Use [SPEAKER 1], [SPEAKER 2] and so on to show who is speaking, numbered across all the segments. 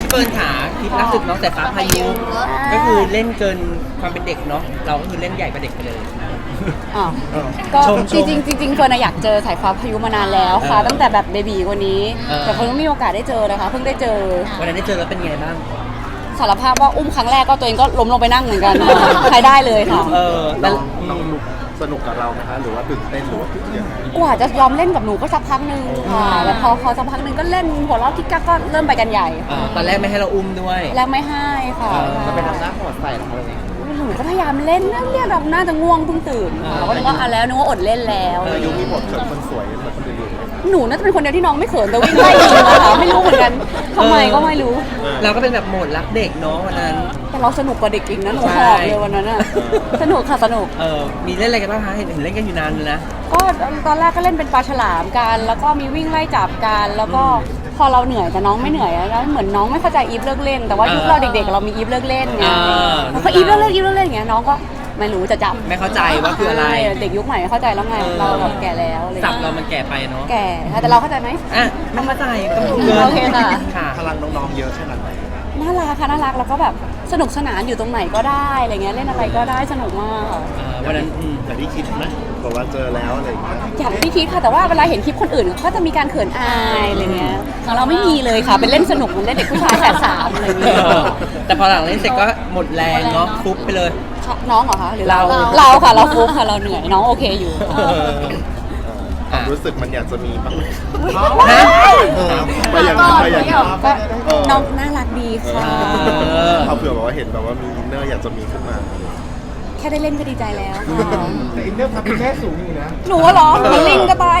[SPEAKER 1] พี่เฟิร์นขาคลิปล่าสุดน้องสายฟ้าพายุก็คือเล่นเกินความเป็นเด็กเนาะเราก็คือเล่นใหญ่กว่าเด็กไปเลย
[SPEAKER 2] อ้าวก็
[SPEAKER 1] ชม
[SPEAKER 2] จริงๆเฟิร์นอยากเจอสายฟ้าพายุมานานแล้วค่ะ ตั้งแต่แบบเบบีกว่านี้ แต่เฟิร์นไม่มีโอกาสได้เจอนะคะเพิ่งได้เจอ
[SPEAKER 1] วันนั้นได้เจอแล้วเป็นไงบ้าง
[SPEAKER 2] สารภาพว่าอุ้มครั้งแรกก็ตัวเองก็ล้มลงไปนั่งเหมือนกันใครได้เลยค่ะ
[SPEAKER 1] แล้ว
[SPEAKER 3] น้องสนุกกับเราไหมคะหรือว่าตื่นเต้นหรือว่ายังไง
[SPEAKER 2] กว่าจะยอมเล่นกับหนูก็สักพักหนึ่งค่ะแล้วพอสักพักหนึ่งก็เล่นหัวเราะกิ๊กกักก็เริ่มไปกันใหญ่
[SPEAKER 1] ตอนแรกไม่ให้เราอุ้มด้วย
[SPEAKER 2] แล้วไม่ให้ค่ะ
[SPEAKER 1] มันเป็นทำหน้าโหดใส่ของเราเอง
[SPEAKER 2] หนูก็พยายามเล่นนั่นเนี่ยเราน่าจะง่วงเพิ่งตื่นเราก็นึกว่าแล้วนึกว่าอดเล่นแล้ว
[SPEAKER 3] อายุมีบทเขินคนสวยเหมือนคนอื่นไหม
[SPEAKER 2] หนูน่าจะเป็นคนเดียวที่น้องไม่เขินแต่วิ่งไล่ยิงอะค่ะไม่รู้เหมือนกันทำไมก็ไม่รู้
[SPEAKER 1] เราก็เป็นแบบโหมดรักเด็กเนาะวันนั้น
[SPEAKER 2] แต่เราสนุกกว่าเด็กอีกนะหนูหอบเลยวันนั้นอะสนุกค่ะสนุก
[SPEAKER 1] มีเล่นอะไรกันบ้างคะเห็นเล่นกันอยู่นานเลยนะ
[SPEAKER 2] ก็ตอนแรกก็เล่นเป็นปลาฉลามกันแล้วก็มีวิ่งไล่จับกันแล้วก็พอเราเหนื่อยแต่น้องไม่เหนื่อยแล้วเหมือนน้องไม่เข้าใจอีฟเลิกเล่นแต่ว่ายุคเราเด็กๆเรามีอีฟเลิกเล่นไงแล้วก็อีฟเลิกเล่นอย่างเงี้ยน้องก็ไม่รู้จะจำ
[SPEAKER 1] ไม่เข้าใจว่าคืออะไร
[SPEAKER 2] เด็กยุคใหม่เข้าใจแล้วไงเราแบบแก่แล้วอะไร
[SPEAKER 1] สับเรามันแก่ไปเนาะ
[SPEAKER 2] แก่ค่ะแต่เราเข้าใจไหม
[SPEAKER 1] ไม่เข้าใจต้อง
[SPEAKER 2] โอเคค่ะ
[SPEAKER 1] ค่ะ
[SPEAKER 3] พลังน้องๆเยอะขนาดไหน
[SPEAKER 2] น่ารักค่ะน่ารักแล้วก็แบบสนุกสนานอยู่ตรงไหนก็ได้อะไรเงี้ยเล่นอะไรก็ได้สนุกมากค่ะ
[SPEAKER 1] วันนั้น
[SPEAKER 3] แต่ที่คิดไหมบอกว่าเจอแล้วอะไรอย่างเงี้ย
[SPEAKER 2] อย่างที่คิดค่ะแต่ว่าเวลาเห็นคลิปคนอื่นก็จะมีการเขินอายอะไรเงี้ยของเราไม่มีเลยค่ะเป็นเล่นสนุกเหมือนเล่นเด็กผู้ชายแฝดสามอะไรเงี้ย
[SPEAKER 1] แต่พอหลังเล่นเสร็จก็หมดแรงเนาะฟุบไปเลย
[SPEAKER 2] น้องเหรอคะหรือเรา
[SPEAKER 1] เรา
[SPEAKER 2] ค่ะเราฟุกค่ะเราเหนื่อยน้องโอเคอยู่
[SPEAKER 3] ความรู้สึกมันอยากจะมีบ้างไหม
[SPEAKER 1] ฮะ
[SPEAKER 3] ไปอย่างนั้นไปอย่างนั้น
[SPEAKER 2] ก็น้องน่ารักดีค่ะ
[SPEAKER 3] เอาเผื่อบอกว่าเห็นแบบว่ามีอินเนอร์อยากจะมีขึ้นมา
[SPEAKER 2] แค่ได้เล่นก็ดีใจแล้วค่ะ
[SPEAKER 3] แต่อินเนอร์ทำแค่สูงอยู่นะ
[SPEAKER 2] หนูว่าเหรอมันลิงก็ตาย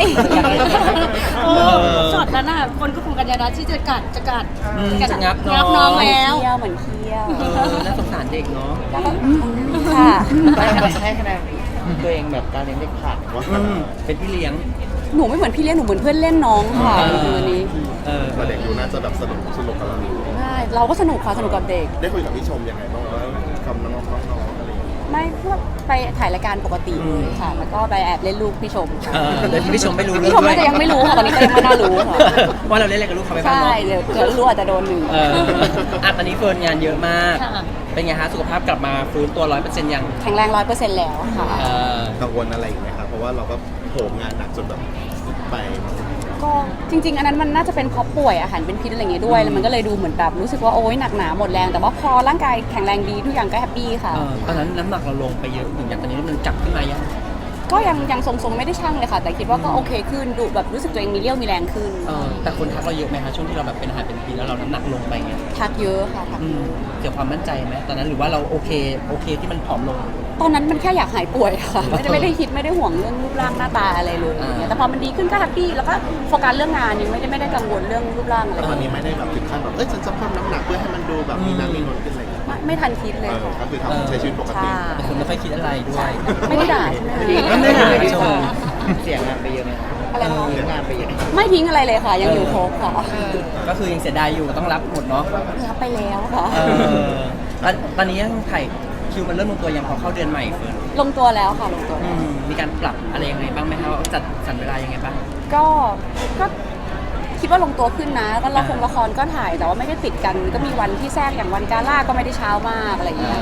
[SPEAKER 4] ช็อตนั้นน่ะคนก็คงกันยานะที่จะกัด
[SPEAKER 1] จะงับ
[SPEAKER 4] งับน้องแล้ว
[SPEAKER 2] เหมือนเคี้ยว
[SPEAKER 1] น่าสงสารเด็กเนาะ
[SPEAKER 2] ค่ะ
[SPEAKER 1] ให้คะแนนตัวเองแบบการเลี้ยงเด็กขาดเป็นพี่เลี้ยง
[SPEAKER 2] หนูไม่เหมือนพี่เลี้ยงหนูเหมือนเพื่อนเล่นน้องค่ะจริงๆวันนี้
[SPEAKER 3] แต่เด็กดูน่าจะแบบสนุกกับเราอยู่
[SPEAKER 2] ใช่เราก็สนุกค่ะสนุกกับเด็ก
[SPEAKER 3] ได้คุยกับพี่ชมยังไงบ้างว่ากับน้องๆอะไรอย่างเงี้ย
[SPEAKER 2] ไม่พวกไปถ่ายรายการปกติเลยค่ะ แล้วก็ไปแอบเล่นลูกพี่ชมค่ะ
[SPEAKER 1] เดี๋ยวพี่ชมไม่รู้
[SPEAKER 2] พี่ชมน่าจะยังไม่รู้ค่ะตอนนี้ก็ยังไม่น่ารู้ค่ะ
[SPEAKER 1] ว่าเราเล่นอะไรกับลูกเขาไปบ้าง
[SPEAKER 2] ใช่
[SPEAKER 1] เนาะ
[SPEAKER 2] เดี๋ยวรู้อาจจะโดนหนึ่ง
[SPEAKER 1] ตอนนี้เฟิร์นงานเยอะมาก
[SPEAKER 4] ค่ะ
[SPEAKER 1] เป็นไงฮะสุขภาพกลับมาฟื้นตัว 100%ยัง
[SPEAKER 2] แข็งแรง100%แล้วค่ะ
[SPEAKER 3] กังวลอะไรอีกไหมครับเพราะว่าเราก็โหมงานหนักจนแบบไป
[SPEAKER 2] ก็จริง ๆ อันนั้นมันน่าจะเป็นเพราะป่วยอาหารเป็นพิษอะไรอย่างเงี้ยด้วยแล้วมันก็เลยดูเหมือนแบบรู้สึกว่าโอ๊ยหนักหนาหมดแรงแต่ว่าพอร่างกายแข็งแรงดีทุกอย่างก็แฮปปี้ค่ะ
[SPEAKER 1] ตอนนั้นน้ำหนักเราลงไปเยอะถึงอย่างตอนนี้มันกลับขึ้นมายัง
[SPEAKER 2] ก็ยังทรงๆไม่ได้ชั่งเลยค่ะ แต่คิดว่าก็โอเคขึ้นดูแบบรู้สึกตัวเองมีเรี่ยวมีแรงขึ้น
[SPEAKER 1] แต่คนทักเราเยอะไหมคะช่วงที่เราแบบเป็นอาหารเป็นปีแล้วเราน้ำหนักลงไปเงี้ย
[SPEAKER 2] ทักเยอะค่ะทักเยอะ
[SPEAKER 1] เกี่ยวกับความมั่นใจไหมตอนนั้นหรือว่าเราโอเคที่มันผอมลง
[SPEAKER 2] ตอนนั้นมันแค่อยากหายป่วยค่ะไม่ได้คิดไม่ได้ห่วงเรื่องรูปร่างหน้าตาอะไรเลยอย่างเงี้ยแต่พอมันดีขึ้นก็แฮปปี้แล้วก็โฟกัสเรื่องงานยังไม่ได้กังวลเรื่องรูปร่างอะไร
[SPEAKER 3] ตอนนี้ไม่ได้แบบถึงขั้นแบบฉันจะเพิ่มน้ำหนักเพื่อให้มันดูแบบมีน้ำมีนวลขึ้นอะไรอย่างเงี้ย
[SPEAKER 2] ไม่ทันคิดเลยค่ะ
[SPEAKER 3] ก็คือทำใช้ชีวิตปกติ
[SPEAKER 2] ใช่
[SPEAKER 1] แต่คนไม่ค่อยคิดอะไรด้วย
[SPEAKER 2] ไม่ได้ด่าใช่ไหม
[SPEAKER 1] ไม่ได้
[SPEAKER 2] ชม
[SPEAKER 1] เสียงานไปเยอะไหม
[SPEAKER 2] อะไรนะคะ
[SPEAKER 1] เสียงานไปเยอะ
[SPEAKER 2] ไม่ทิ้งอะไรเลยค่ะ ยังอยู่ครบค่ะ
[SPEAKER 1] ก็คือยังเสียดายอยู่ต้องรับหมดเนาะ
[SPEAKER 2] รับไปแล้วค่ะ
[SPEAKER 1] ตอนนี้ยังถ่ายคิวมันเริ่มลงตัวยังพอเข้าเดือนใหม่เฟิร์น
[SPEAKER 2] ลงตัวแล้วค่ะลงตัวแล้ว
[SPEAKER 1] มีการปรับอะไรยังไงบ้างไหมคะว่าจัดสรรเวลายังไงบ้าง
[SPEAKER 2] ก็คิดว่าลงตัวขึ้นนะก็ละครก็ถ่ายแต่ว่าไม่ได้ติดกัน ก็มีวันที่แทรกอย่างวันกาล่าก็ไม่ได้เช้ามากอะไรอย่างเงี้ย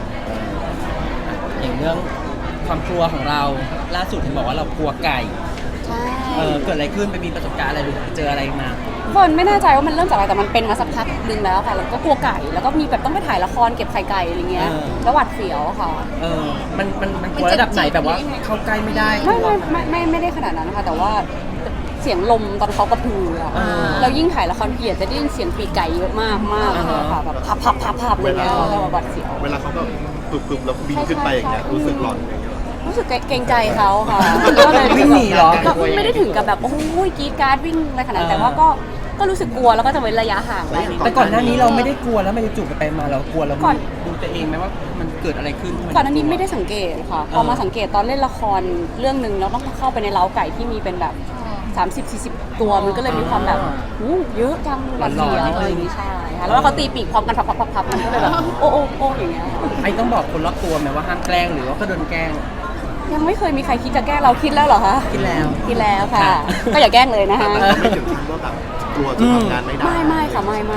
[SPEAKER 1] อย่างเรื่องความกลัวของเราล่าสุดเห็นบอกว่าเรากลัวไก่
[SPEAKER 2] ใช่
[SPEAKER 1] เกิดอะไรขึ้นไปมีประสบการณ์อะไรหรือเจออะไรมา
[SPEAKER 2] คนไม่แน่ใจว่ามันเริ่มจากอะไรแต่มันเป็นมาสักพักนึงแล้วค่ะแล้วก็กลัวไก่แล้วก็มีแบบต้องไปถ่ายละครเก็บไข่ไก่อะไรเงี้ยแล้วหวัดเสียวค่ะ
[SPEAKER 1] มันกลัวระดับไหนแบบว่าเข้าใกล้ไม่ได้
[SPEAKER 2] ไม่ได้ขนาดนั้นนะคะแต่ว่าเสียงลมตอนเขากระพืออะเรายิ่งถ่ายละครเพียรจะได้ยินเสียงปีกไก่เยอะมากค่ะแบบพับอะไรเงี้ยแล้วหวัดเสียว
[SPEAKER 3] เวลาเขาก็ปึบๆแล้วบินขึ้นไปอย่างเงี้ยรู้สึกหลอนอย่างเงี้ย
[SPEAKER 2] รู้สึกเกรงใจเขาค่ะ
[SPEAKER 1] วิ่งหนีเหรอ
[SPEAKER 2] ก็ไม่ได้ถึงกับแบบโอ้ยกรีดกราร์ดวิ่งอะไรขนาดนั้นแต่ว่าก็รู้สึกกลัวแล้วก็จะเว้นระยะห่างไว้
[SPEAKER 1] แต่ก่อนหน้านี้เราไม่ได้กลัวแล้วไม่ได้จูบไปมาเรากลัวเราดูตัวเองไหมว่ามันเกิดอะไรขึ้น
[SPEAKER 2] ก่อนหน้านี้ไม่ได้สังเกตค่ะพอมาสังเกตตอนเล่นละครเรื่องหนึ่งแล้วต้องเข้าไปในเล้าไก่ที่มีเป็นแบบ30-40 ตัวมันก็เลยมีความแบบเยอะจังหวัดเสียวอะไรอย่างงี้ใช่ค่ะแล้วเขาตีปีกพร้อมกันพับมันก็เลยแบบโอ้อย่างเงี้ย
[SPEAKER 1] ไอ้ต้องบอกคนรอบตัวไหมว่าห้ามแกล้งหรือว่าก็โดนแกล้ง
[SPEAKER 2] ยังไม่เคยมีใครคิดจะแกล้งเราคิดแล้วเหรอคะ
[SPEAKER 1] คิดแล้ว
[SPEAKER 2] ค่ะ ก็อย่าแกล้งเลยนะคะ
[SPEAKER 3] ไม่ถึงขั้นว่าแบบกลัวจะทำงานไม่ได้
[SPEAKER 2] ไม่ค่ะไม่
[SPEAKER 1] ต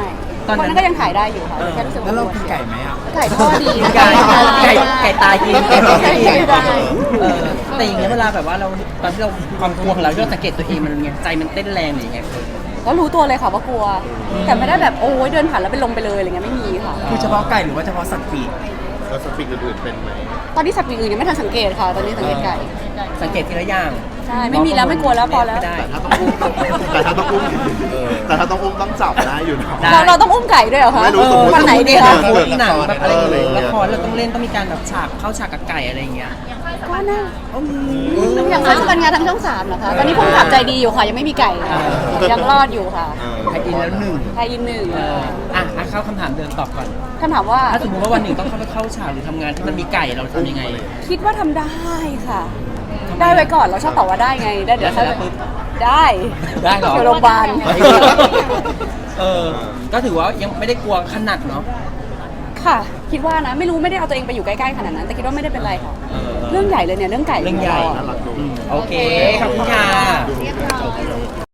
[SPEAKER 1] ตอน
[SPEAKER 2] วัน
[SPEAKER 1] นั้
[SPEAKER 2] นั้น นก็ยังถ่ายได้อยู่ค่ะแค่รู้สึก
[SPEAKER 5] แล้ว
[SPEAKER 2] ว่า
[SPEAKER 5] เรากินไก่ไหมอ่ะ
[SPEAKER 2] ไก่ทอดดี
[SPEAKER 1] ไก่ตายกิน
[SPEAKER 2] ไก่ได้
[SPEAKER 1] แต่อย่างเงี้ยเวลาแบบว่าเราตอนที่เราความกลัวของเราที่เราสังเกตตัวเองมันไงใจมันเต้นแรงหรือยังไง
[SPEAKER 2] ก็รู้ตัวเลยค่ะว่ากลัว แต่ไม่ได้แบบโอ้ยเดินผ่านแล้วเป็นลมไปเลยอะไรเงี้ยไม่มีค่ะ
[SPEAKER 5] คือเฉพาะไก่หรือว่าเฉพาะสัตว์ปีก
[SPEAKER 3] แล้วสปิกอื่นๆเป็นไหม
[SPEAKER 2] ตอนนี้สัตว์ปีกอื่นยังไม่ทันสังเกตค่ะ ตอนนี้สังเกตไก่
[SPEAKER 1] สังเกตทีละอย่าง
[SPEAKER 2] ใช่ไม่มีแล้วไม่กลัวแล้วพอแล้ว
[SPEAKER 1] ไม่ได้
[SPEAKER 3] แต่ถ้าต้องอุ้มแต่ถ้าต้องอุ้มต้องจับได้อยู่นะ
[SPEAKER 1] ได้
[SPEAKER 2] เราต้องอุ้มไก่ด้วยเหรอคะ
[SPEAKER 3] ไม่รู้สมมุติ
[SPEAKER 2] วันไหนดีคะ
[SPEAKER 1] พูดหนังแบบอะไรอย่างเงี้ย
[SPEAKER 3] เออ
[SPEAKER 1] ละครเราต้องเล่นต้องมีการแบบฉากเข้าฉากกับไก่อะไรอย่างเงี้ย
[SPEAKER 2] ก็น่าอย่างนั้นเป็นงานทางช่อง3เหรอคะตอนนี้พุ่งขับใจดีอยู่ค่ะ ยังไม่มีไก่ค่ะยังรอดอยู่ค่ะ
[SPEAKER 1] ไทยอินแล้วหนึ่ง
[SPEAKER 2] ไทยอินหนึ่ง
[SPEAKER 1] เข้าคำถามเดิมตอบก่อน
[SPEAKER 2] คำถามว่า
[SPEAKER 1] ถ้าสมมติว่าวันหนึ่งต้องเข้าฉากหรือทำงานที่มันมีไก่เราทำยังไง
[SPEAKER 2] คิดว่าทำได้ค่ะ ได้ไว้ก่อนเราชอบตอบว่าได้ไงได้เดี๋ยวถ้า
[SPEAKER 1] แล้วปุ๊บ
[SPEAKER 2] ได้
[SPEAKER 1] ได้เหรอ
[SPEAKER 2] อยู่โรงพยาบาล
[SPEAKER 1] ก็ถือว่ายังไม่ได้กลัวขนาดเนาะ
[SPEAKER 2] ค่ะ คิดว่านะไม่รู้ไม่ได้เอาตัวเองไปอยู่ใกล้ๆขนาดนั้น แต่คิดว่าไม่ได้เป็นไรค่ะ เรื่องใหญ่เลยเนี่ยเรื่องไก่
[SPEAKER 1] เรื่องใหญ่
[SPEAKER 3] น่ารักดู
[SPEAKER 1] โอเค ขอบคุณค่ะ